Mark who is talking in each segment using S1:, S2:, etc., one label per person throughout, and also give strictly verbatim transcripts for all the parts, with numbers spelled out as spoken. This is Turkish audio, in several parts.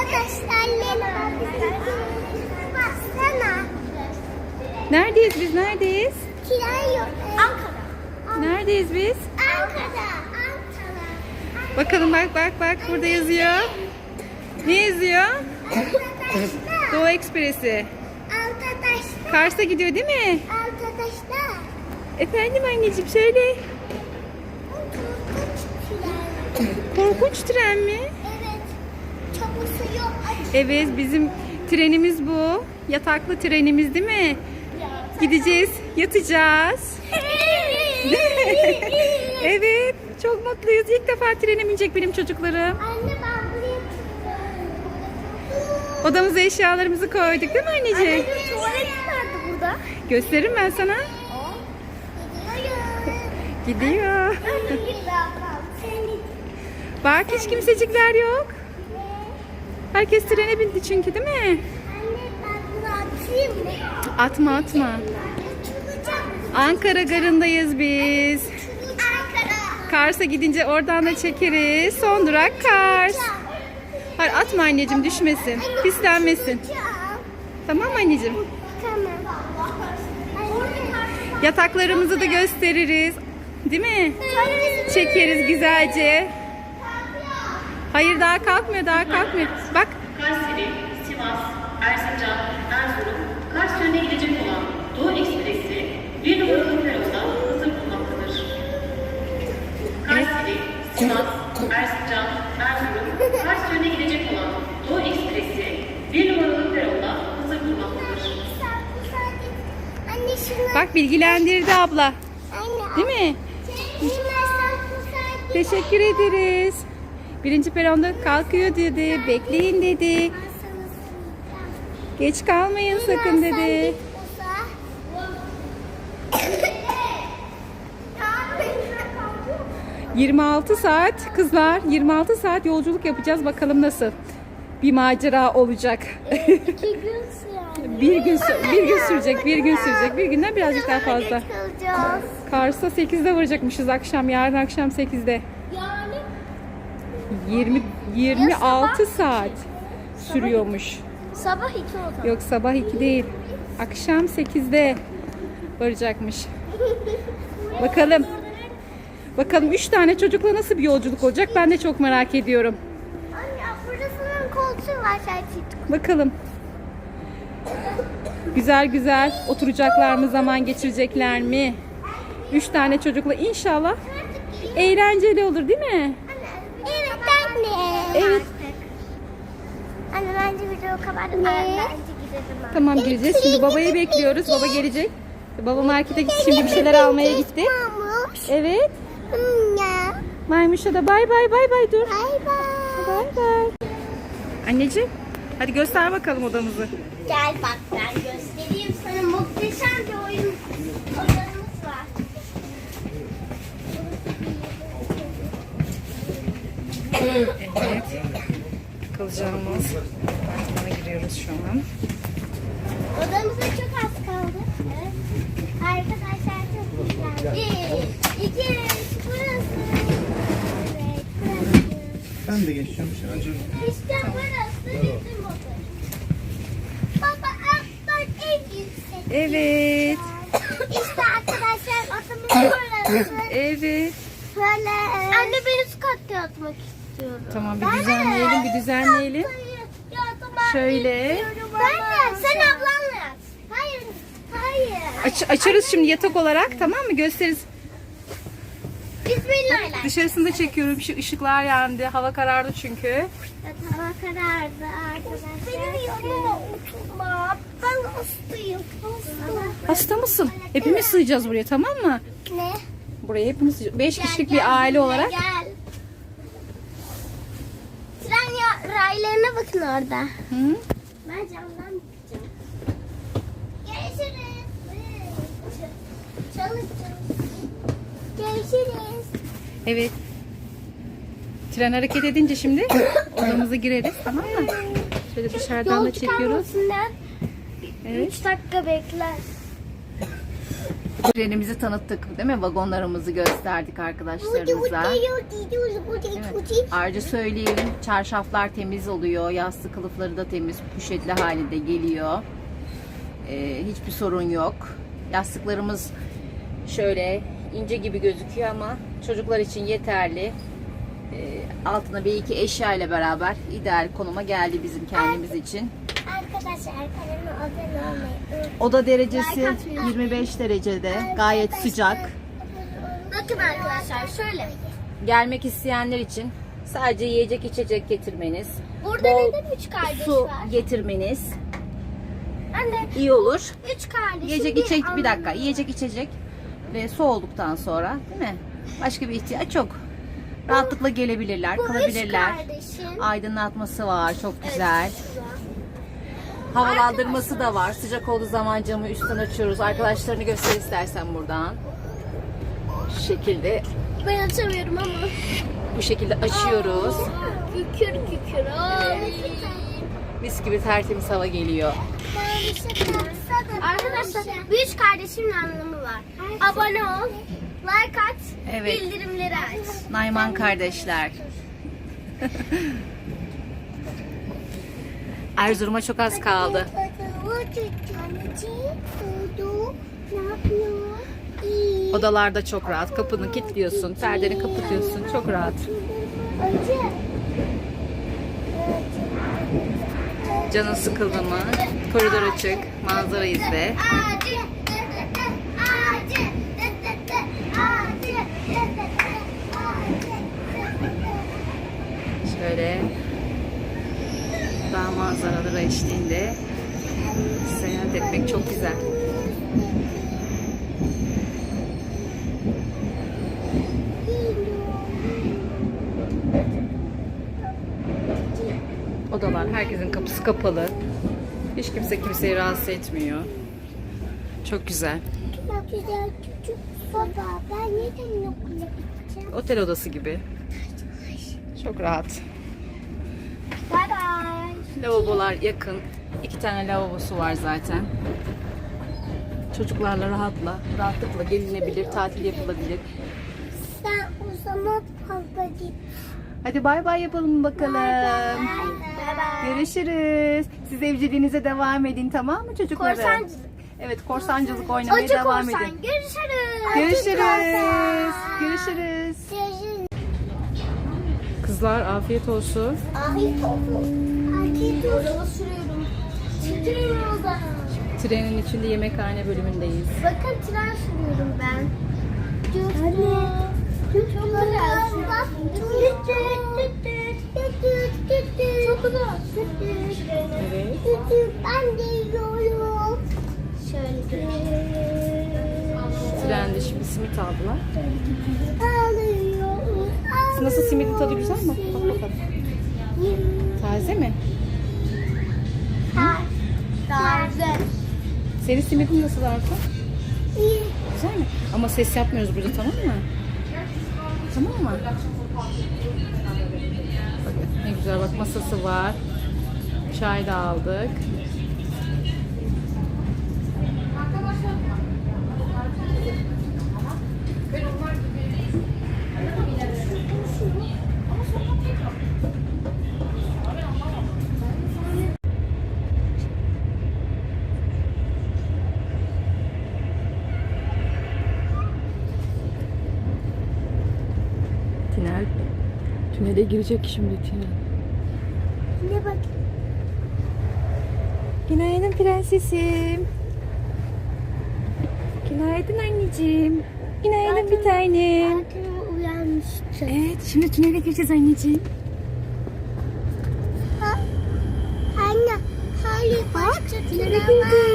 S1: arkadaşlarla baksana.
S2: Neredeyiz biz? Neredeyiz?
S1: Tren yok. Ankara.
S2: Neredeyiz biz?
S1: Ankara. Ankara.
S2: Bakalım bak bak bak burada yazıyor. Ne yazıyor?
S1: Arkadaşlar.
S2: Doğu Ekspresi.
S1: Arkadaşlar.
S2: Kars'a gidiyor değil mi?
S1: Arkadaşlar.
S2: Efendim anneciğim söyle. Korkunç tren mi?
S1: Evet. Çabusu yok.
S2: Evet bizim trenimiz bu. Yataklı trenimiz değil mi? Gideceğiz, yatacağız. Evet, çok mutluyuz. İlk defa trene binecek benim çocuklarım.
S1: Anne ben buraya
S2: Odamıza eşyalarımızı koyduk değil mi anneciğim?
S1: Anne tuvalet nerede burada?
S2: Gösteririm ben sana. Gidiyor. Bak hiç kimsecikler yok. Herkes trene bindi çünkü değil mi?
S1: Anne ben bunu atayım mı?
S2: Atma atma. Ankara garındayız biz.
S1: Ankara.
S2: Kars'a gidince oradan da çekeriz. Son durak Kars. Hayır atma anneciğim düşmesin. Pislenmesin. Tamam mı anneciğim?
S1: Tamam.
S2: Yataklarımızı da gösteririz. Değil mi? Çekeriz güzelce. Hayır daha kalkmıyor daha kalkmıyor. Bak.
S3: Kayseri, Sivas, Erzincan, Erzurum, Kars yönüne gidecek olan Doğu Ekspresi bir numaralı peronda hızır bulunmaktadır. Kayseri, Sivas, Erzincan, Erzurum, Kars yönüne gidecek olan Doğu Ekspresi bir numaralı peronda hızır bulunmaktadır.
S1: Anne şunu.
S2: Bak bilgilendirdi abla.
S1: Anne.
S2: Değil mi?
S1: Şunu
S2: Teşekkür ederiz. Birinci peronda kalkıyor dedi. Bekleyin dedi. Geç kalmayın sakın dedi. yirmi altı saat kızlar yirmi altı saat yolculuk yapacağız bakalım nasıl bir macera olacak.
S1: İki gün sürer.
S2: bir gün sü- bir gün sürecek bir gün sürecek bir günden birazcık daha fazla.
S1: Kalacağız.
S2: Kars'a sekizde varacakmışız akşam yarın akşam sekizde.
S1: Yani
S2: yirmi yirmi altı saat sürüyormuş.
S1: sabah iki o zaman.
S2: Yok sabah iki değil. Akşam sekizde varacakmış. Bakalım. Bakalım üç tane çocukla nasıl bir yolculuk olacak ben de çok merak ediyorum.
S1: Anne burasının koltuğu var şarkı.
S2: Bakalım. Güzel güzel oturacaklar mı zaman geçirecekler mi? Üç tane çocukla inşallah eğlenceli olur değil mi?
S1: Evet anne.
S2: Evet.
S1: Anne bence video kapattı. Ne? Bence gidelim.
S2: Tamam gireceğiz. Şimdi babayı bekliyoruz. Baba gelecek. Baba markete gitti. Şimdi bir şeyler almaya gitti.
S1: Mamuş.
S2: Evet.
S1: Ya.
S2: Maymuş'a da bay bay bay bay dur.
S1: Bay bay.
S2: Bay bay. Anneciğim hadi göster bakalım odamızı.
S1: Gel bak ben göstereyim sana muhteşem bir oyun odamız var.
S2: Evet. Kalacağımız apartmana giriyoruz şu an.
S1: Odamıza çok az kaldı. Evet. Arkadaşlar çok güzel. Bir, iki, üç, burası. Evet, burası.
S4: Ben de geçiyorum acaba.
S1: İşte burası bizim oda. Baba alttan en yüksek.
S2: Evet.
S1: İşte arkadaşlar odamız burası.
S2: Evet.
S1: Böyle. Anne ben üst katta yatmak istiyorum.
S2: Tamam bir düzenleyelim bir düzenleyelim. Şöyle.
S1: Ben de sen ablanla yat. Hayır. Hayır.
S2: Aç, açarız şimdi yatak olarak tamam mı? Gösteririz.
S1: Bismillah.
S2: Dışarısında çekiyorum. Şu ışıklar yandı. Hava karardı çünkü.
S1: Evet, hava karardı arkadaşlar. Benim yanıma oturma. Ben hastayım. Hastayım.
S2: Hasta mısın? Hepimiz sığacağız buraya tamam mı?
S1: Ne?
S2: Buraya hepimiz sığacağız. Beş
S1: Gel,
S2: kişilik
S1: gel,
S2: bir aile
S1: gel,
S2: olarak.
S1: Gel. Tren ya, raylarına bakın orada.
S2: Hı?
S1: Ben camdan bakacağım. Görüşürüz. Çalış çalış. Görüşürüz.
S2: Evet. Tren hareket edince şimdi odamıza gireriz tamam mı? Şöyle dışarıdan da
S1: Yol
S2: çekiyoruz.
S1: çıkarmasınlar.
S2: Evet.
S1: üç dakika bekler.
S2: Trenimizi tanıttık değil mi? Vagonlarımızı gösterdik arkadaşlarımıza. Evet. Ayrıca söyleyelim, çarşaflar temiz oluyor, yastık kılıfları da temiz, poşetli halinde geliyor. Ee, hiçbir sorun yok. Yastıklarımız şöyle ince gibi gözüküyor ama çocuklar için yeterli. Ee, altına bir iki eşya ile beraber ideal konuma geldi bizim kendimiz için.
S1: Arkadaşlar kanalıma abone olmayı unutmayın.
S2: Oda derecesi yirmi beş derecede, gayet sıcak.
S1: Bakın arkadaşlar şöyle.
S2: Gelmek isteyenler için sadece yiyecek içecek getirmeniz,
S1: Burada
S2: bol
S1: neden üç kardeş
S2: su
S1: var?
S2: getirmeniz
S1: Anne
S2: iyi olur.
S1: üç kardeş.
S2: Yiyecek içecek bir dakika, yiyecek içecek ve su olduktan sonra değil mi? Başka bir ihtiyaç yok. Rahatlıkla gelebilirler,
S1: Bu üç
S2: kalabilirler.
S1: kardeşin.
S2: Aydınlatması var, çok güzel.
S1: Evet, güzel.
S2: Havalandırması da var. Sıcak olduğu zaman camı üstten açıyoruz. Arkadaşlarını göster istersen buradan. Şu şekilde,
S1: Ben açamıyorum ama.
S2: bu şekilde açıyoruz.
S1: Kükür kükür. Ay.
S2: Mis gibi tertemiz hava geliyor.
S1: Arkadaşlar bu üç kardeşimin anlamı var. Abone ol, like at,
S2: Evet.
S1: bildirimleri aç.
S2: Nayman kardeşler. Erzurum'a çok az kaldı. Odalarda çok rahat. Kapını kilitliyorsun, perdeni kapatıyorsun. Çok rahat. Canın sıkıldı mı? Koridor açık, manzara izle. Şöyle dağ manzaraları eşliğinde seyahat etmek çok güzel. Odalar, herkesin kapısı kapalı. Hiç kimse kimseyi rahatsız etmiyor. Çok güzel.
S1: Çok güzel küçük baba. Ben neden okula gideceğim?
S2: Otel odası gibi. Çok rahat.
S1: Bye bye.
S2: Lavabolar yakın. İki tane lavabosu var zaten. Çocuklarla rahatla, rahatlıkla gelinebilir, tatil yapılabilir.
S1: Sen o zaman fazla git.
S2: Hadi bay bay yapalım bakalım.
S1: Bye bye.
S2: Görüşürüz. Siz evciliğinize devam edin, tamam mı çocuklarım?
S1: Korsancılık.
S2: Evet, korsancılık oynamaya
S1: Acı
S2: devam
S1: korsan.
S2: edin.
S1: Görüşürüz.
S2: Görüşürüz. Görüşürüz.
S1: Görüşürüz.
S2: Kızlar afiyet olsun.
S1: Afiyet olsun. Afiyet olsun. Araba sürüyorum. Sürüyorum o zaman.
S2: Trenin içinde yemekhane bölümündeyiz.
S1: Bakın tren sürüyorum ben. Anne. Çok güzel. Çok güzel.
S2: Evet.
S1: Ben de yiyorum. Şöyle.
S2: Trende şimdi simit aldılar.
S1: Alıyorum.
S2: Nasıl, simidin tadı güzel mi? Bak bakalım. Taze mi?
S1: Taze.
S2: Senin simidin nasıl Arka?
S1: İyi.
S2: Güzel mi? Ama ses yapmıyoruz burada, tamam mı? Tamam mı? Bak, ne güzel, bak masası var. Çay da aldık. Tünel. Tünele girecek şimdi tünel.
S1: Ne bak.
S2: Günaydın prensesim. Günaydın anneciğim. Günaydın bir tanem.
S1: Zaten uyanmıştım.
S2: Evet, şimdi tünele gireceğiz anneciğim.
S1: Ha? Anne, hayır başka tünel var.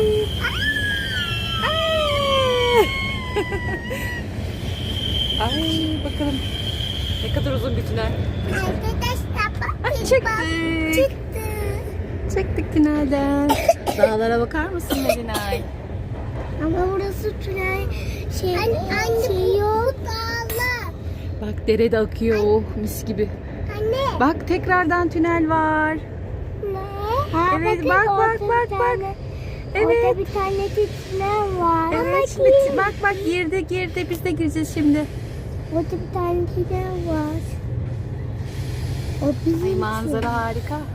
S2: Ay bakalım. Ne kadar uzun bir tünel.
S1: Arkadaşlar
S2: Ah,
S1: bakın.
S2: çıktık.
S1: Çıktı.
S2: Çıktık tünelden. Dağlara bakar mısın Melinay?
S1: Ama burası tünel şey, anne, anne, şey yok. Dağlar.
S2: Bak dere de akıyor, oh, mis gibi.
S1: Anne.
S2: Bak tekrardan tünel var.
S1: Ne? Ha,
S2: Evet,
S1: bakın
S2: bak,
S1: orada
S2: bak, bak,
S1: bir
S2: bak.
S1: tane
S2: Evet.
S1: Orada bir tane titrer var.
S2: Evet şimdi bak bak girdi girdi biz de gireceğiz şimdi.
S1: Orada bir tane titrer var. O bizim
S2: Ay
S1: için.
S2: manzara harika.